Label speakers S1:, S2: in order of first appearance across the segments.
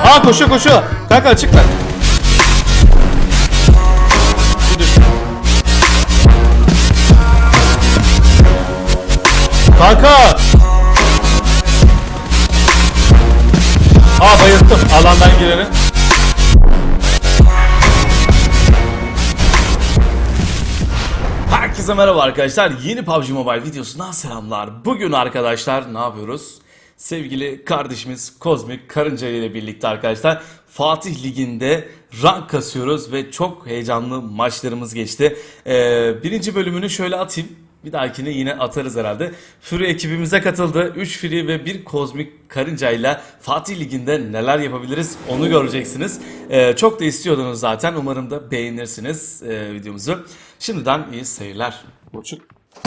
S1: Aa koşuyor koşuyor. Kanka açık ver. Kanka. Aa bayılttım alandan gireni. Herkese merhaba arkadaşlar. Yeni PUBG Mobile videosundan selamlar. Bugün arkadaşlar ne yapıyoruz? Sevgili kardeşimiz Kozmik Karınca ile birlikte arkadaşlar Fatih Ligi'nde rank kasıyoruz ve çok heyecanlı maçlarımız geçti. Birinci bölümünü şöyle atayım. Bir dahakine yine atarız herhalde. Fury ekibimize katıldı. 3 Fury ve 1 Kozmik Karınca ile Fatih Ligi'nde neler yapabiliriz onu göreceksiniz. Çok da istiyordunuz zaten. Umarım da beğenirsiniz videomuzu. Şimdiden iyi seyirler. Boçuk.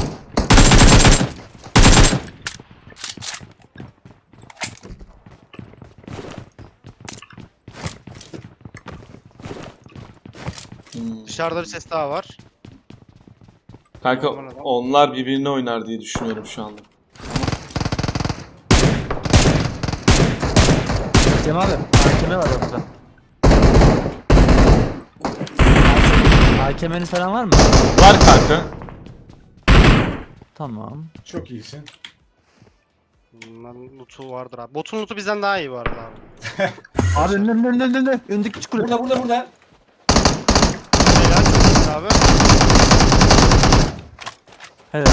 S2: Dışarıda bir ses daha var.
S1: Kanka onlar birbirine oynar diye düşünüyorum şu anda.
S3: Cem abi, hakeme var orada. Hakemeniz falan var mı?
S1: Var kanka.
S3: Tamam.
S4: Çok iyisin.
S2: Bunların lootu vardır abi. Botun lootu bizden daha iyi bu arada abi.
S3: Abi önünde. Öndeki küçük kule.
S4: Burada.
S2: Helal çok iyisin abi.
S3: Helal.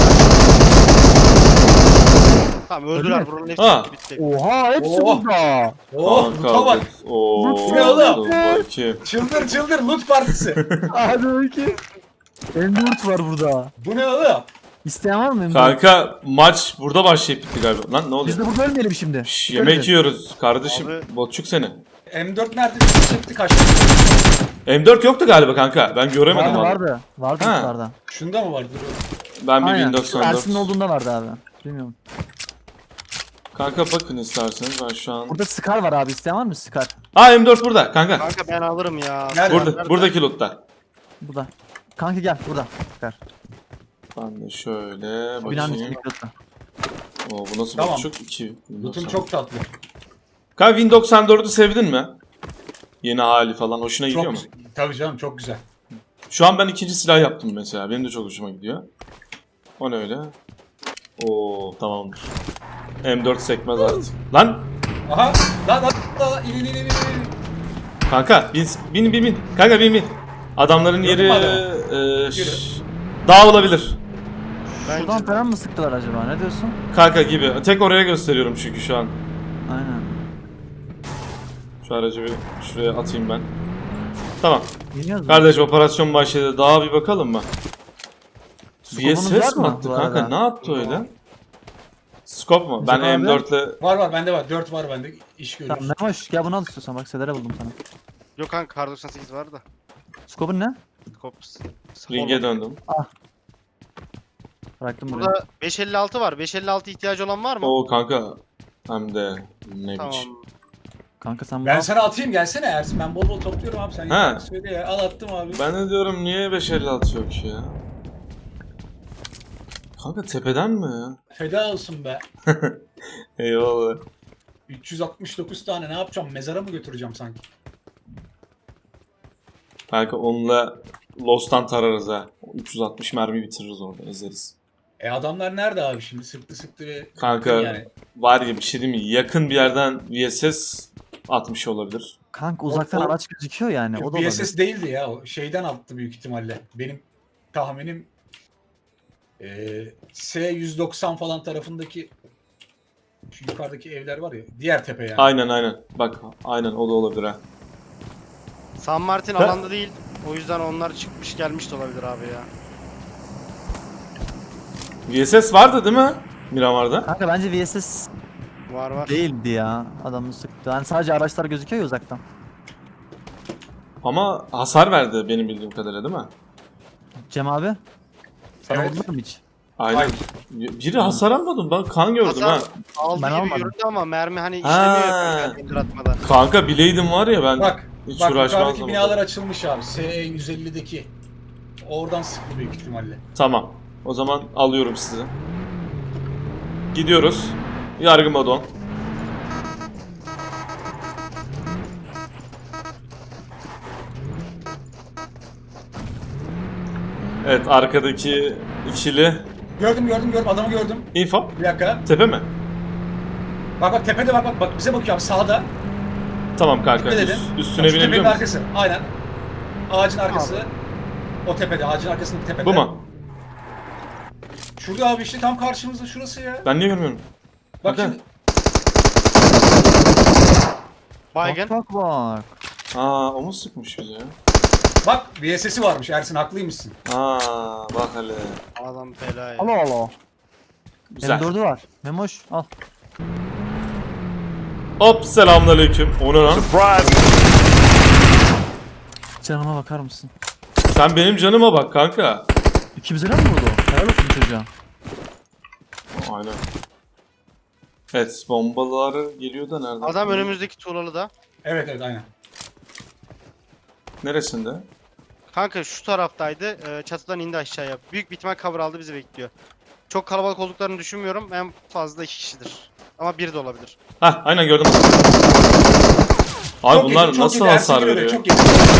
S2: Tamam
S3: Öldü
S2: öldüler
S3: mü?
S2: buranın hepsi
S1: Ha.
S2: bitti.
S3: Oha hepsi
S4: Oh.
S3: burada.
S4: Oh, loot'a bak.
S1: Ooo.
S4: Ne oğlum?
S1: Bakayım.
S4: Çıldır loot partisi.
S3: Abi ki. M4 var burada.
S4: Bu ne oğlum?
S3: İsteyen var mı M4?
S1: Kanka maç burada başlayıp bitti galiba. Lan ne oluyor?
S3: Biz de burada ölmeyelim şimdi.
S1: Şş, yemek yiyoruz kardeşim.
S2: Abi.
S1: Botçuk seni.
S4: M4 nerede? Çıktı kaçtı.
S1: M4 yoktu galiba kanka. Ben göremedim abi.
S3: Vardı. Vardı
S1: Ha.
S3: yukarıda.
S4: Şunda mı var? Dur.
S1: Ben bir
S3: Aynen.
S1: 1094.
S3: Ersin'in olduğunda vardı abi. Bilmiyorum.
S1: Kanka bakın isterseniz ben şu an.
S3: Burada Scar var abi. İsteyen var mı Scar?
S1: Aa M4 burada kanka.
S2: Kanka ben alırım ya.
S4: Nerede?
S1: Burada buradaki lootta.
S3: Burada. Kanka gel burada. Scar.
S1: Ben de şöyle
S3: Binanın
S1: bakayım.
S3: içindeki loot'ta.
S1: Oo bu nasıl
S4: Tamam.
S1: botçuk? 2.
S4: Loot'um çok tatlı.
S1: Kanka Win 94'ü sevdin mi? Yeni hali falan hoşuna gidiyor
S4: Çok
S1: mu?
S4: güzel. Tabii canım çok güzel.
S1: Şu an ben ikinci silah yaptım mesela. Benim de çok hoşuma gidiyor. O ne öyle? Oo tamamdır. M4 sekmez artık. Lan
S4: Aha. Lan. İn.
S1: kanka bin. Kanka bin. Adamların yeri
S4: Gördün mü
S1: dağ olabilir.
S3: Şuradan falan mı sıktılar acaba? Ne diyorsun?
S1: Kanka gibi. Tek oraya gösteriyorum çünkü şu an.
S3: Aynen.
S1: Şu aracı bir şuraya atayım ben. Tamam.
S3: Bilmiyoruz mu?
S1: Kardeş operasyon başladı. Dağa bir bakalım mı?
S3: Scope'unuz var
S1: VSS mi
S3: mı
S1: attı
S3: bu
S1: kanka?
S3: arada?
S1: Ne yaptı öyle? Scope mu? Ben
S3: Acaba abi?
S1: M4'le...
S4: Var bende var. 4 var bende. İş görür.
S3: Tamam ne hoş. Gel bunu al istiyorsan. Bak Sedere buldum sana.
S2: Yok kanka kar 98 var da.
S3: Scope'un ne?
S2: Kops.
S1: Ring'e döndüm.
S3: Bıraktım buraya.
S2: Burada 556 var. 556 ihtiyacı olan var mı?
S1: Oo kanka. Hem de ne
S2: Tamam.
S1: biçim.
S3: Kanka sen
S4: Ben
S3: bunu
S4: sana atayım gelsene Ersin. Ben bol topluyorum abi. Sen
S1: Ha.
S4: yeter söyle ya. Al attım abi.
S1: Ben de diyorum niye 556 yok ya? Kanka tepeden mi ya?
S4: Feda olsun be.
S1: Eyvallah.
S4: 369 tane ne yapacağım? Mezara mı götüreceğim sanki?
S1: Kanka onunla Lost'tan tararız ha. 360 mermi bitiririz orada ezeriz.
S4: Adamlar nerede abi şimdi? Sıktı ve...
S1: Kanka
S4: Yani.
S1: var ya bir şey değil mi? Yakın bir yerden VSS atmış olabilir.
S3: kanka uzaktan
S4: O-
S3: araç gözüküyor yani. O da olabilir.
S4: BSS değildi ya. O şeyden attı büyük ihtimalle. Benim tahminim S190 falan tarafındaki şu yukarıdaki evler var ya. Diğer tepe yani.
S1: Aynen. Bak aynen o da olabilir ha.
S2: San Martin
S1: Ha.
S2: alanda değil. O yüzden onlar çıkmış gelmiş de olabilir abi ya.
S1: VSS vardı değil mi? Miramar'da.
S3: Kanka bence VSS
S2: Var.
S3: değildi ya. Adamı sıktı. Yani sadece araçlar gözüküyor ya uzaktan.
S1: Ama hasar verdi benim bildiğim kadarıyla değil mi?
S3: Cem abi. Sana
S4: Evet.
S3: vurdular mı hiç?
S1: Aynen.
S4: Hayır.
S1: Biri hasar almadım. Ben kan gördüm
S2: Hasar
S1: ha.
S2: aldı
S3: Ben
S2: gibi
S3: almadım.
S2: göründü ama mermi hani işlemiyor ya
S1: Ha.
S2: kanka indir atmadan.
S1: Kanka bileydim var ya ben
S4: Bak
S1: hiç
S4: bak
S1: uğraşmazdım.
S4: yukarıdaki binalar açılmış abi. S150'deki. Oradan sıktı büyük ihtimalle.
S1: Tamam. O zaman alıyorum sizi. Gidiyoruz. Yargı Madon. Evet, arkadaki ikili.
S4: Gördüm adamı gördüm.
S1: İnfo.
S4: Bir dakika.
S1: Tepe mi?
S4: Bak tepede bak bize bakıyor abi sağda.
S1: Tamam kanka.
S4: Ne dedin?
S1: Üstüne
S4: Şu
S1: binebiliyor
S4: tepenin
S1: musun?
S4: arkası. Aynen. Ağacın arkası. O tepede, ağacın arkasındaki tepede.
S1: Bu mu?
S4: Şurada abi işte tam karşımızda şurası ya.
S1: Ben niye görmüyorum?
S4: Bak
S1: Bakın.
S4: şimdi.
S2: Baygın.
S3: Bak bak.
S1: Aa, o mu sıkmış bize ya?
S4: Bak VSS'i varmış Ersin haklıymışsın.
S1: Aa, bak hele.
S2: Adam fela ya.
S3: Allah Allah.
S1: Güzel.
S3: M4'ü var. Memoş al.
S1: Hop, selamünaleyküm. O ne lan?
S3: Canıma bakar mısın?
S1: Sen benim canıma bak kanka.
S3: İkimize de mi vurdu? Helal olsun çocuğa.
S1: Aynen. Evet, bombaları geliyor da nereden?
S2: Adam önümüzdeki tuğlalı da.
S4: Evet aynen.
S1: Neresinde?
S2: Kanka şu taraftaydı. Çatıdan indi aşağıya. Büyük bir ihtimal cover aldı, bizi bekliyor. Çok kalabalık olduklarını düşünmüyorum. En fazla 2 kişidir. Ama biri de olabilir.
S1: Hah, aynen gördüm. Abi
S4: Çok
S1: bunlar
S4: yedi, çok
S1: nasıl
S4: yedi, Ersin
S1: hasar
S4: görüyor,
S1: veriyor?
S4: Çok yedi.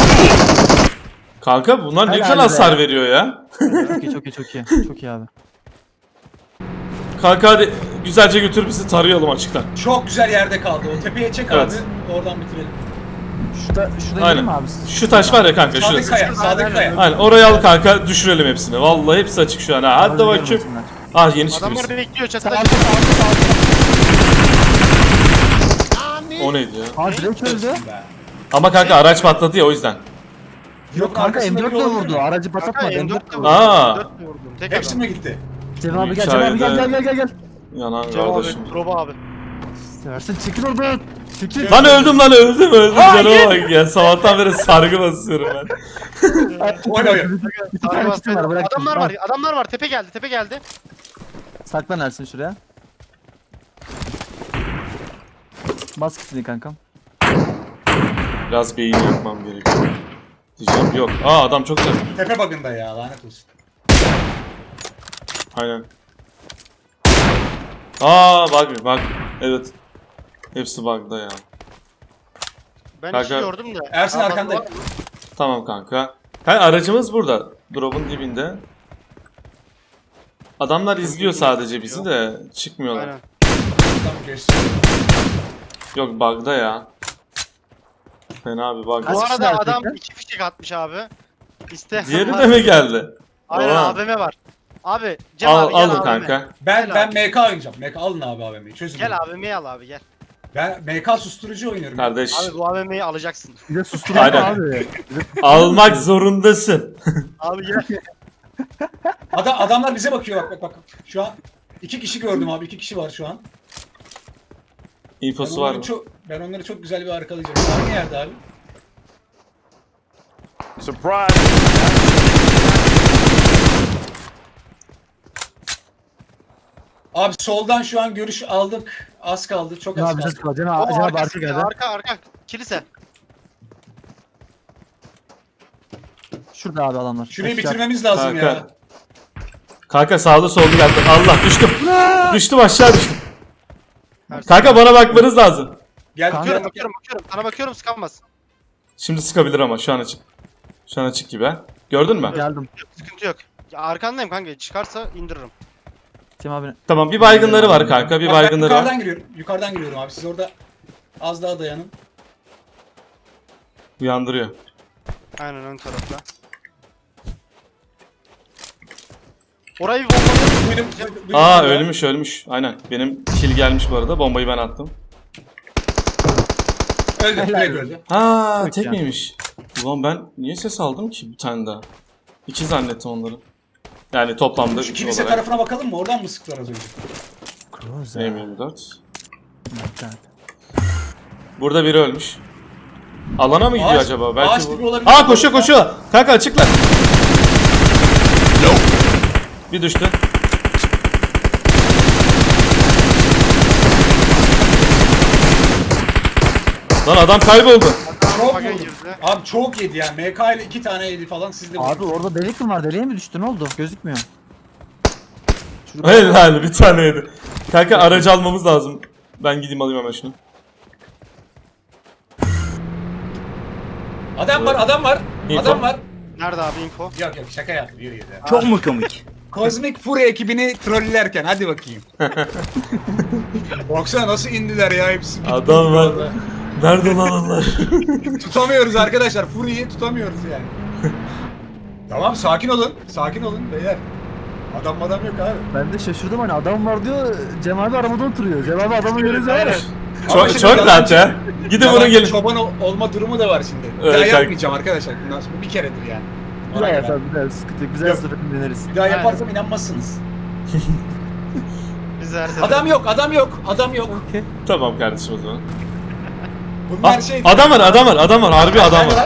S1: Kanka bunlar ne
S3: Helal
S1: güzel
S3: be.
S1: hasar veriyor ya.
S3: Çok iyi çok iyi çok iyi. Çok iyi abi.
S1: Kanka hadi güzelce götür bizi tarayalım açıktan.
S4: Çok güzel yerde kaldı o. Tepeye çek
S1: Evet.
S4: abi. Oradan bitirelim.
S3: Şurada
S1: Aynen.
S3: gidelim mi abi?
S1: Şu taş var ya kanka,
S4: Sadık
S1: şurası.
S4: Kaya, Sadık Kaya.
S1: Aynen, orayı al kanka, düşürelim hepsini. Vallahi hepsi açık şu an ha. Hadi bakayım. Ah, yeni çıktı
S2: Adamlar
S1: birisi.
S2: bekliyor çatıda.
S1: O neydi ya?
S3: Aa direkt öldü.
S4: Be.
S1: Ama kanka araç patladı ya, o yüzden.
S3: Yok kanka
S4: arkasında
S3: M4
S4: biri
S3: de
S4: olabilir
S3: vurdu.
S4: mi?
S3: Aracı
S2: Kanka
S3: patlatmadı.
S2: M4
S3: M4
S2: de
S3: de
S2: vurdum.
S3: vurdu.
S1: Aa.
S2: M4 de vurdum. Tek
S4: Hepsi
S2: adam.
S4: mi gitti?
S3: Cem abi gel Cem abi gel.
S1: Yanan
S2: Cem abi,
S1: kardeşim.
S2: Robo abi.
S3: Seversin çekil oradan. Çekil.
S1: Lan öldüm canıma bak ya, sabahtan beri sargı basıyorum ben.
S4: Oyun.
S3: Bir tane kitim var bırak.
S2: Adamlar var. Tepe geldi.
S3: Saklan Ersin şuraya. Bas kitini kankam.
S1: Biraz beyin yakmam gerekiyor. Diyeceğim yok. Aa, adam çok güzel.
S4: Tepe bug'ında ya lanet olsun.
S1: Aynen. Aa, bak. Evet. Hepsi bug'da ya.
S2: Ben
S1: Kanka-
S2: işi gördüm de.
S4: Ersin
S2: Aa,
S4: arkanda.
S2: bak, var mı?
S1: Tamam kanka. Ha, aracımız burada. Drop'un dibinde. Adamlar izliyor sadece bizi de çıkmıyorlar.
S2: Aynen.
S4: Tamam geçti.
S1: Yok, bug'da ya. Fena bir bug.
S3: Kaç
S2: Bu
S3: kişi
S2: arada
S3: var
S2: adam
S3: tekrar?
S2: 2 fişek atmış abi. İsteyen
S1: Diğeri
S2: var.
S1: de mi geldi?
S2: Aynen
S1: Oha.
S2: AVM var. Abi Cem abi gel
S1: Alın
S2: AVM.
S1: kanka.
S4: Ben
S2: Gel abi.
S4: MK oynayacağım. MK alın abi AVM'yi çözün.
S2: Gel AVM'yi al abi gel.
S4: Ben MK susturucu oynuyorum.
S1: Kardeş,
S2: Abi bu AVM'yi alacaksın.
S3: Bir de susturma
S1: Aynen.
S3: abi.
S1: almak zorundasın.
S2: Abi gel.
S4: Adamlar bize bakıyor bak. Şu an 2 kişi gördüm abi. 2 kişi var şu an.
S1: İnfosu var mı?
S4: Ben onları çok güzel bir arkalayacağım. Hangi yerde abi? Abi soldan şu an görüş aldık. Az kaldı. Çok
S3: Cem
S4: az
S3: abi
S4: kaldı.
S3: bize sıkma. Cem
S2: O
S3: abi arka
S2: arkası,
S3: geldi.
S2: arka. Kilise.
S3: Şurada abi adamlar.
S4: Şurayı
S3: Aşağı.
S4: bitirmemiz lazım
S1: Kanka.
S4: ya.
S1: Kanka sağda solda geldi. Allah, düştüm. Düştüm, aşağı düştüm.
S2: Ersin.
S1: Kanka bana bakmanız lazım.
S4: Gel
S3: Kanka.
S4: bakıyorum.
S2: Bakıyorum. Sana bakıyorum sıkamaz.
S1: Şimdi sıkabilir ama şu an açık. Şu an açık gibi ha. Gördün mü?
S3: Geldim.
S2: Sıkıntı yok. Ya arkandayım kanka. Çıkarsa indiririm.
S3: Cem abi.
S1: Tamam, bir baygınları var kanka. Bir
S4: Bak, ben
S1: baygınları var.
S4: yukarıdan giriyorum. Yukarıdan giriyorum abi. Siz orada az daha dayanın.
S1: Uyandırıyor.
S2: Aynen ön tarafta. Orayı bir bombalayalım.
S4: Duydum
S1: Aa,
S4: ya.
S1: ölmüş. Aynen. Benim kill gelmiş bu arada. Bombayı ben attım.
S4: Öldü.
S3: Helal
S4: Direkt
S3: olsun.
S4: öldü.
S1: Ha,
S3: Yok
S1: tek
S3: ya.
S1: miymiş? Ulan ben niye ses aldım ki bir tane daha? İki zannettim onları. Yani toplamda
S4: Şu
S1: 3
S4: kilise
S1: olarak.
S4: tarafına bakalım mı? Oradan mı sıktılar az önce?
S3: Cruiser.
S1: M24.
S3: Evet.
S1: Burada biri ölmüş. Alana mı gidiyor
S4: Ağaç-
S1: acaba? Belki
S4: ağaç
S1: bu.
S4: gibi olabilir.
S1: Aa, koşuyor. Kanka açıkla. Bir düştü. Lan adam kayboldu.
S4: Çok
S2: Baga
S4: vurdu.
S2: girdi.
S4: Abi çok yedi ya. MK ile 2 tane yedi falan. Siz de
S3: Abi
S4: vurdunuz.
S3: orada delik mi var? Deliğe mi düştü? Ne oldu? Gözükmüyor.
S1: Helal, bir taneydi. Kanka aracı almamız lazım. Ben gideyim alayım hemen şunu.
S4: Adam var.
S1: İnfo.
S4: Adam var.
S2: Nerede abi info?
S4: Yok yok şaka yaptım. Yürü yürü.
S5: Çok mu komik?
S4: Kozmik Fury ekibini trollerken hadi bakayım. Baksana nasıl indiler ya hepsi.
S1: Adam var. Nerede lan onlar?
S4: Tutamıyoruz arkadaşlar. Fury'yi tutamıyoruz yani. Tamam sakin olun. Sakin olun beyler. Adam yok abi.
S3: Ben de şaşırdım hani adam var diyor. Cem abi arabada oturuyor. Cem abi adamı görünce var ya.
S4: Ama şimdi
S1: Çok rahat
S4: yalancı-
S1: ya. Gidin
S4: yalancı
S1: bunu gelin.
S4: çoban olma durumu da var şimdi. Bir
S1: Evet,
S4: daha
S1: kanka.
S4: yapmayacağım arkadaşlar. Bundan sonra bir keredir yani.
S3: Bir
S4: Ona
S3: daha
S4: göre.
S3: yapar bir daha sıkıntı yok. Güzel
S4: Yok.
S3: seferini deneriz.
S4: Bir daha yaparsam inanmazsınız.
S2: Biz her sefer.
S4: Adam yok.
S3: Okey.
S1: Tamam kardeşim o zaman.
S4: Bunlar
S1: Ah,
S4: şey...
S1: adam var. Harbi adam var.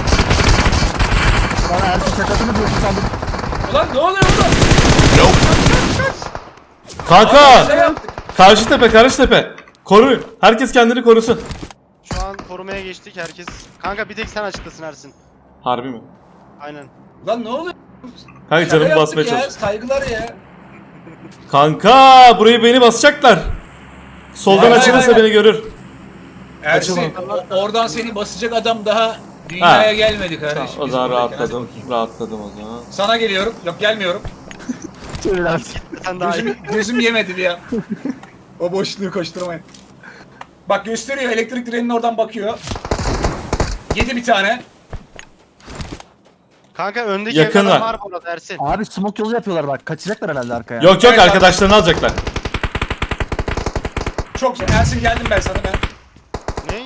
S3: Bana Ersin şakasını diyorsun sandım.
S4: Ulan ne oluyor burada?
S1: Kanka!
S4: Şey yaptık.
S1: Karşı tepe. Koruyun. Herkes kendini korusun.
S2: Şu an korumaya geçtik herkes. Kanka bir tek sen açıklasın Ersin.
S1: Harbi mi?
S2: Aynen.
S4: Ulan ne oluyor?
S1: Kanka
S4: Şaka
S1: canımı
S4: yaptık
S1: basmaya
S4: ya,
S1: çalış.
S4: Saygılar ya.
S1: Kanka burayı beni basacaklar. Soldan
S4: Hayır,
S1: açılırsa
S4: hayır.
S1: beni görür.
S4: Ersin oradan seni basacak adam daha dünyaya
S1: Ha.
S4: gelmedi kardeşim.
S1: O
S4: Biz
S1: zaman
S4: buradayken, hadi
S1: rahatladım.
S4: bakayım.
S1: Rahatladım o zaman.
S4: Sana geliyorum. Yok gelmiyorum.
S3: Çevir Ersin.
S2: Sen daha iyi.
S4: Gözüm yemedi ya. O boşluğu koşturmayın. Bak gösteriyor elektrik direğinin oradan bakıyor. Yedi bir tane.
S2: Kanka öndeki
S1: Yakın
S2: evde adam
S1: var.
S2: var bu arada Ersin.
S3: Abi smoke yolu yapıyorlar bak. Kaçacaklar herhalde arkaya.
S1: Yok
S4: Evet,
S1: arkadaşlarını alacaklar.
S4: Çok güzel. Ersin geldim ben sana ben.
S2: Ne?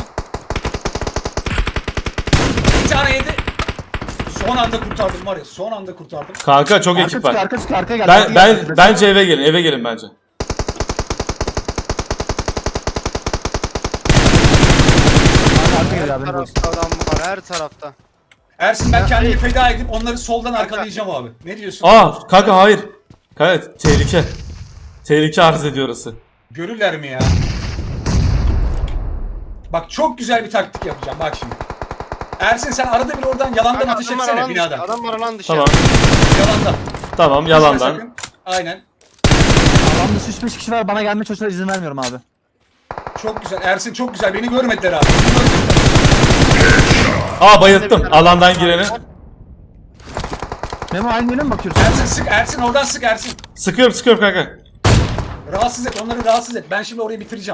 S4: Bir tane yedi. Son anda kurtardım var ya. Son anda kurtardım.
S1: Kanka çok
S3: Arka
S1: ekip
S3: çıkıyor,
S1: var.
S3: arka çıkıyor, arkaya gel.
S1: Ben
S3: arkaya
S1: ben
S3: gel.
S1: bence eve gelin. Eve gelin bence.
S3: Arka gel
S2: Her
S3: abi. Boş.
S2: tarafta adam var her tarafta.
S4: Ersin ben kendimi feda edip onları soldan arkalayacağım abi. Ne diyorsun?
S1: Kanka hayır. Kanka tehlike. Tehlike arz ediyor orası.
S4: Görürler mi ya? Bak çok güzel bir taktik yapacağım bak şimdi. Ersin sen arada bir oradan yalandan
S2: Kanka,
S4: ateş
S2: adam var
S4: etsene
S2: alan dışı.
S4: binadan.
S2: Adam var alan dışı.
S1: Tamam.
S4: Yalandan.
S1: Tamam
S4: Düşme
S1: yalandan.
S4: sakın. Aynen.
S3: Alan dışı 3-5 kişi var. Bana gelme çocuğuna izin vermiyorum abi.
S4: Çok güzel. Ersin çok güzel. Beni görmediler abi.
S1: Bayılttım. Alandan gireni.
S3: Memo aynı yöne mi bakıyorsun?
S4: Ersin sık. Ersin oradan sık Ersin.
S1: Sıkıyorum kanka.
S4: Rahatsız et. Onları rahatsız et. Ben şimdi orayı bitireceğim.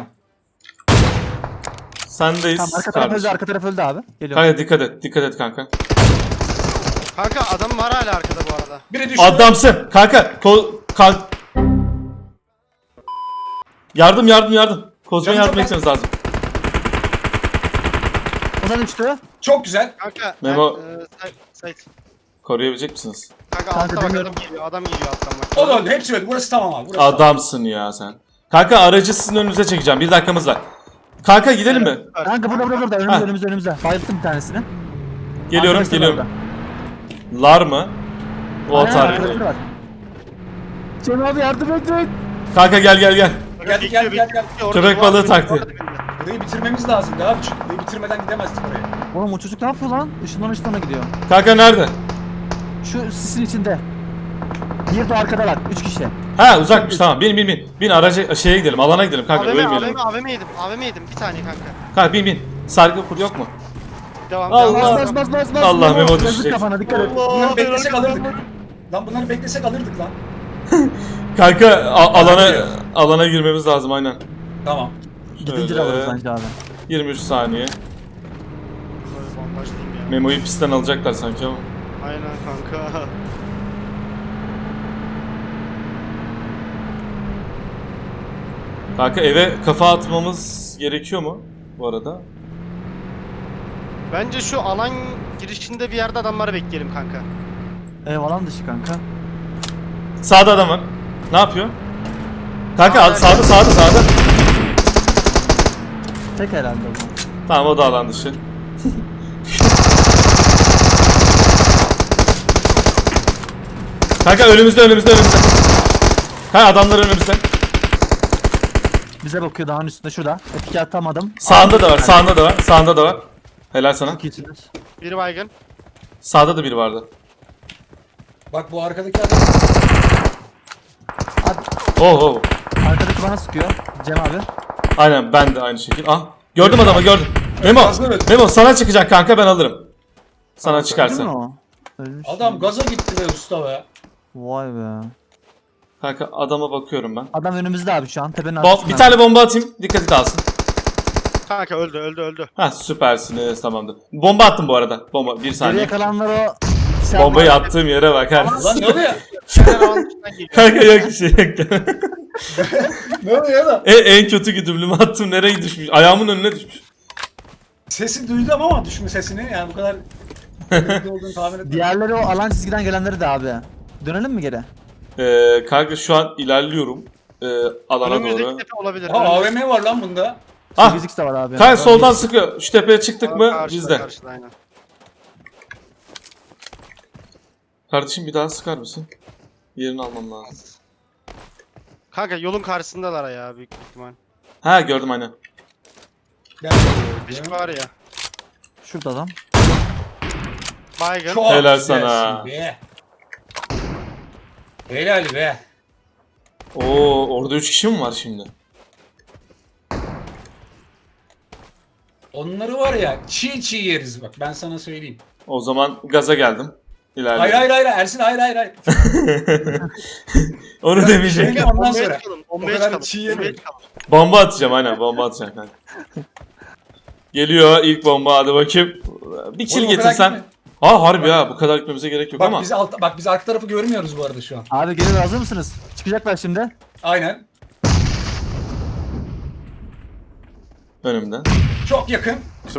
S1: Sendeyiz
S3: Tamam arka taraf öldü,
S1: kardeşim.
S3: arka taraf öldü abi. Geliyorum.
S1: Kanka dikkat et kanka.
S2: Kanka adam var hala arkada bu arada.
S4: Biri düştü.
S1: Adamsın. Kanka yardım. Kozma'ya
S4: Canım
S1: yardım
S4: çok
S1: etmeniz lazım.
S3: O da düştü.
S4: Çok güzel.
S2: Kanka
S1: Memo.
S2: Sait.
S1: Koruyabilecek misiniz?
S2: Kanka
S3: Kanka,
S2: altta bak
S3: demiyorum.
S2: adam geliyor. Adam geliyor alttan bak.
S4: O da öldü. Hepsi öldü. Burası tamam abi. Burası tamam.
S1: Adamsın ya sen. Kanka aracı sizin önünüze çekeceğim. Bir dakikamız var. Kanka gidelim mi?
S3: Kanka burada
S1: Ha.
S3: önümüzde. Bayılttım bir tanesini.
S1: Geliyorum.
S3: Arkadaşlar orada.
S1: Lar mı? O
S3: Aynen,
S1: atar.
S3: arkadaşlar var. Cem abi yardım edin.
S1: Kanka gel.
S4: Gel.
S2: Orada
S1: Köpek
S2: duvar
S1: balığı
S2: dibinde,
S1: taktı.
S2: orada dibinde.
S4: Burayı bitirmemiz lazım. Daha küçük. Burayı bitirmeden gidemezdik oraya.
S3: Oğlum o çocuk ne yapıyor lan? Işınlana gidiyor.
S1: Kanka nerede?
S3: Şu sisin içinde. Bir de arkada var. 3 kişi.
S1: Ha uzakmış tamam. Bin aracı şeye gidelim. Alana gidelim kanka. Ölmeyelim.
S2: AVM yedim. Bir saniye kanka.
S1: Kanka bin. Sargı kur yok mu?
S2: Devam.
S1: Allah.
S3: Bas.
S1: Allah, Memo
S3: Yazık
S1: düşecek.
S3: kafana dikkat et.
S4: Bunları beklesek alırdık. Lan bunları beklesek alırdık lan.
S1: Kanka alana girmemiz lazım aynen.
S4: Tamam.
S3: Gidince de
S1: Şöyle.
S3: alırız bence abi.
S1: 23 saniye.
S2: Böyle bombaşlayayım ya.
S1: Memo'yu pistten alacaklar sanki ama.
S2: Aynen kanka.
S1: Kanka eve kafa atmamız gerekiyor mu bu arada?
S2: Bence şu alan girişinde bir yerde adamları bekleyelim kanka.
S3: Alan dışı kanka.
S1: Sağda adam var. Ne yapıyor? Kanka sağda.
S3: Tek herhalde o.
S1: Tamam o da alan dışı. Kanka önümüzde. Kanka adamlar önümüzde.
S3: Bize bakıyor dağın üstünde şurada. Etki atamadım.
S1: Sağında da var. Helal sana.
S3: Çok iyisiniz.
S2: Biri baygın.
S1: Sağda da biri vardı.
S4: Bak bu arkadaki adam.
S1: Oh.
S3: Arkadaki bana sıkıyor. Cem abi.
S1: Aynen ben de aynı şekilde. Gördüm adamı. Memo
S4: Fazla öldü.
S1: sana çıkacak kanka ben alırım. Sana
S3: Değil mi
S1: çıkarsa.
S3: o? Ölmüş.
S4: Adam gaza gitti be usta be.
S3: Vay be.
S1: Kanka adama bakıyorum ben.
S3: Adam önümüzde abi şu an tepenin arkasında.
S1: Bir tane bomba atayım. Dikkati dağılsın.
S2: Kanka öldü.
S1: Ha süpersiniz, tamamdır. Bomba attım bu arada. Bomba bir
S3: Geriye
S1: saniye.
S3: kalanlar o.
S1: Bombayı attığım yere bak.
S4: Lan ne oluyor?
S2: Şeyler alan dışından geliyor.
S1: Kanka yok bir şey yok.
S4: Ne oluyor lan?
S1: En kötü güdümlümü attım, nereye düşmüş? Ayağımın önüne düşmüş.
S4: Sesi duydum ama düşme sesini yani bu kadar kötü olduğunu tahmin etmedim.
S3: Diğerleri o alan çizgiden gelenleri de abi. Dönelim mi geri?
S1: Kanka şu an ilerliyorum. Alana doğru.
S2: Önümüzdeki tepe olabilir.
S4: Aa AVM var lan bunda.
S1: Ah!
S3: 8x de var abi.
S1: Kanka soldan sıkıyor. Şu tepeye çıktık mı bizde.
S2: Karşıda aynen.
S1: Kardeşim bir daha sıkar mısın? Yerini almam lazım.
S2: Kanka yolun karşısındalar ya büyük ihtimal.
S1: Ha gördüm aynen.
S4: Ben
S2: Bir şey var ya.
S3: Şurada adam.
S2: Baygın.
S4: Çok
S1: Helal
S4: güzelsin
S1: sana.
S4: Be. Helal be.
S1: Oo, orada 3 kişi mi var şimdi?
S4: Onları var ya çiğ yeriz bak ben sana söyleyeyim.
S1: O zaman gaza geldim. İlerledim.
S4: Hayır Ersin hayır.
S1: Onu
S4: Biraz
S1: demeyecek.
S4: şey- Ondan
S2: Bombaya
S4: sonra.
S2: çıkalım.
S4: O
S2: Bombaya
S4: kadar
S2: çıkalım.
S4: çiğ
S2: Bombaya
S4: yemeyin.
S2: çıkalım.
S1: Bomba atacağım aynen, bomba atacağım kanka. Geliyor ilk bomba, hadi bakayım. Bir kill
S4: Oğlum, o kadar
S1: getirsen.
S4: gitme.
S1: Ha harbi ya, bu kadar gitmemize gerek yok
S4: Bak
S1: ama.
S4: biz arka tarafı görmüyoruz bu arada şu an.
S3: Abi geri hazır mısınız? Çıkacaklar şimdi.
S4: Aynen.
S1: Önümden.
S4: Çok yakın.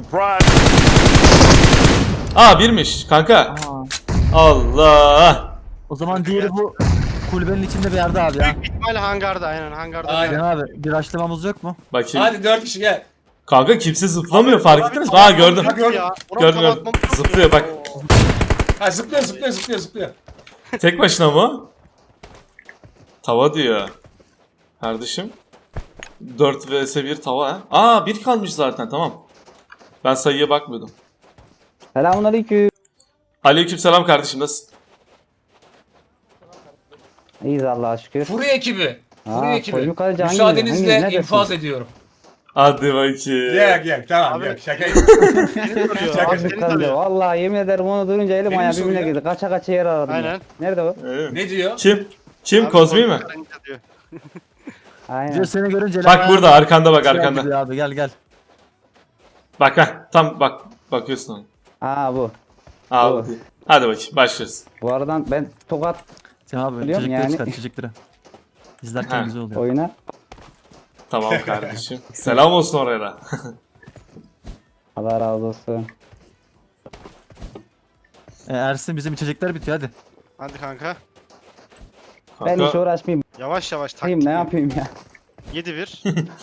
S1: Aa birmiş kanka.
S3: Aa.
S1: Allah.
S3: O zaman diğeri bu kulübenin içinde bir yerde abi ya.
S2: Büyük ihtimal hangarda aynen hangarda.
S4: Aynen.
S3: Can abi bir açlamamız yok mu?
S1: Bakayım.
S4: Hadi 4 kişi gel.
S1: Kanka kimse zıplamıyor, fark ettiniz mi? Aa gördüm. Gördüm, gördüm. Zıplıyor bak.
S4: Ha zıplıyor.
S1: Tek başına mı? Tava diyor. Kardeşim. 4 vs 1 tava ha. Aa 1 kalmış zaten, tamam. Ben sayıya bakmıyordum.
S5: Selamünaleyküm.
S1: Aleykümselam kardeşim, nasılsın?
S5: İyiyiz Allah'a şükür.
S4: Furi ekibi. Furi
S5: Aa,
S4: ekibi.
S5: Koyun Kaleci hangi-
S4: Müsaadenizle
S5: hangi-
S4: infaz
S5: neredesin?
S4: ediyorum.
S1: Hadi bakayım.
S4: Gel tamam
S2: Abi-
S4: gel şaka.
S5: Abi kaldı. Vallahi yemin ederim onu duyunca elim
S4: Benim
S5: ayağım
S4: soru
S5: birbirine
S4: ya.
S5: girdi. Kaça yer aradım.
S2: Aynen.
S5: Ya. Nerede o?
S1: Evet.
S4: Ne diyor?
S1: Kim? Kozmi mi?
S5: Aynen.
S3: Diyor seni görünce
S1: Bak burada arkanda, bak arkanda.
S3: Abi gel.
S1: Bak ha, tam bak, bakıyorsun ona.
S5: Aa bu.
S1: Aa,
S5: Doğru.
S1: hadi bakayım başlıyoruz.
S5: Bu aradan ben tokat
S3: Can abi
S5: Biliyorum
S3: çocukları
S5: yani.
S3: çıkar çocukları. İzlerken
S1: Ha.
S3: güzel oluyor.
S5: oyuna.
S1: Tamam kardeşim. Selam olsun oraya da.
S5: Allah razı olsun.
S3: Ersin bizim içecekler bitiyor hadi.
S2: Hadi kanka.
S5: Ben hiç
S1: Kanka,
S5: uğraşmayayım.
S2: Yavaş yavaş
S5: Takayım
S2: taktik.
S5: ne yapayım ya.
S2: 7-1.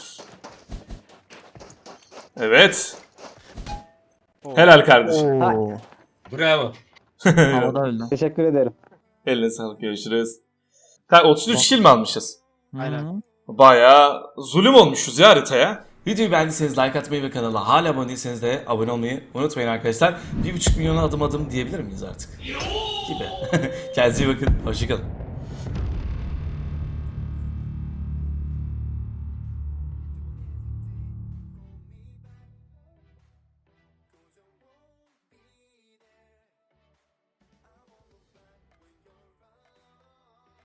S1: evet.
S2: Oo.
S1: Helal kardeşim.
S3: Oo.
S4: Bravo.
S3: Havada öldü.
S5: Teşekkür ederim.
S1: Eline sağlık, görüşürüz. Kanka 33 kill mi almışız?
S2: Aynen.
S3: Hı.
S1: Bayağı zulüm olmuşuz ya haritaya. Videoyu beğendiyseniz like atmayı ve kanala hala abone değilseniz de abone olmayı unutmayın arkadaşlar. 1,5 milyona adım diyebilir miyiz artık? Gibi. Kendinize iyi bakın. Hoşçakalın.